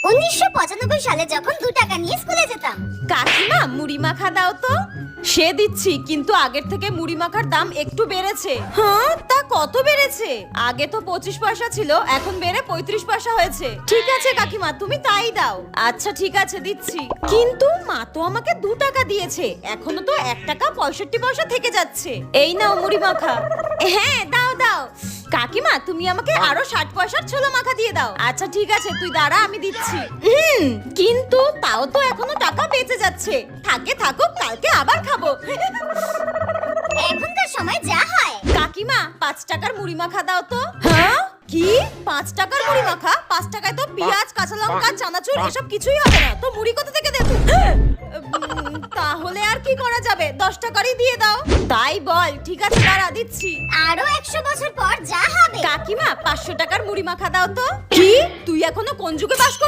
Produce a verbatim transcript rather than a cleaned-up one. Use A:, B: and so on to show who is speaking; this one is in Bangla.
A: উনিশশো পঁচানব্বই সালে যখন দু টাকা নিয়ে স্কুলে যেতাম।
B: কাকিমা মুড়ি মাখা দাও তো। সে দিচ্ছি, কিন্তু আগের থেকে মুড়ি মাখার দাম একটু বেড়েছে। হ্যাঁ, তা কত বেড়েছে? আগে তো পঁচিশ পয়সা ছিল, এখন বেড়ে পঁয়ত্রিশ পয়সা হয়েছে। ঠিক আছে কাকিমা, তুমি তাই দাও। আচ্ছা ঠিক আছে, দিচ্ছি। কিন্তু মা তো আমাকে দু টাকা দিয়েছে, এখনো তো এক টাকা পঁয়ষট্টি পয়সা থেকে যাচ্ছে। এই নাও মুড়ি মাখা। হ্যাঁ দাও দাও। কাকিমা তুমি আমাকে আরো ষাট পয়সার ছোলা মাখা দিয়ে দাও। আচ্ছা ঠিক আছে, তুই দাঁড়া, আমি দিচ্ছি। হুম, কিন্তু তাও তো এখনো টাকা বেঁচে যাচ্ছে। থাকে থাকুক, কালকে আবার খাবো।
A: এখনকার সময় যা হয়।
B: কাকিমা পাঁচ টাকার মুড়ি মাখা দাও তো। হ্যাঁ কি? পাঁচ টাকার মুড়ি মাখা? পাঁচ টাকায় তো পেঁয়াজ, কাঁচা লঙ্কা, চানাচুর এসব কিছুই হবে না। তো মুড়ি কোথা থেকে দেবো? উম, তাহলে আর কি করা যাবে? দশ টাকারই দিয়ে দাও। তাই বল? ঠিক আছে দাঁড়া, দিচ্ছি।
A: আরো একশো বছর পর যা হবে।
B: কাকিমা পাঁচশো টাকার মুড়ি মাখা দাও তো। কি? তুই এখনো কোন যুগে বাস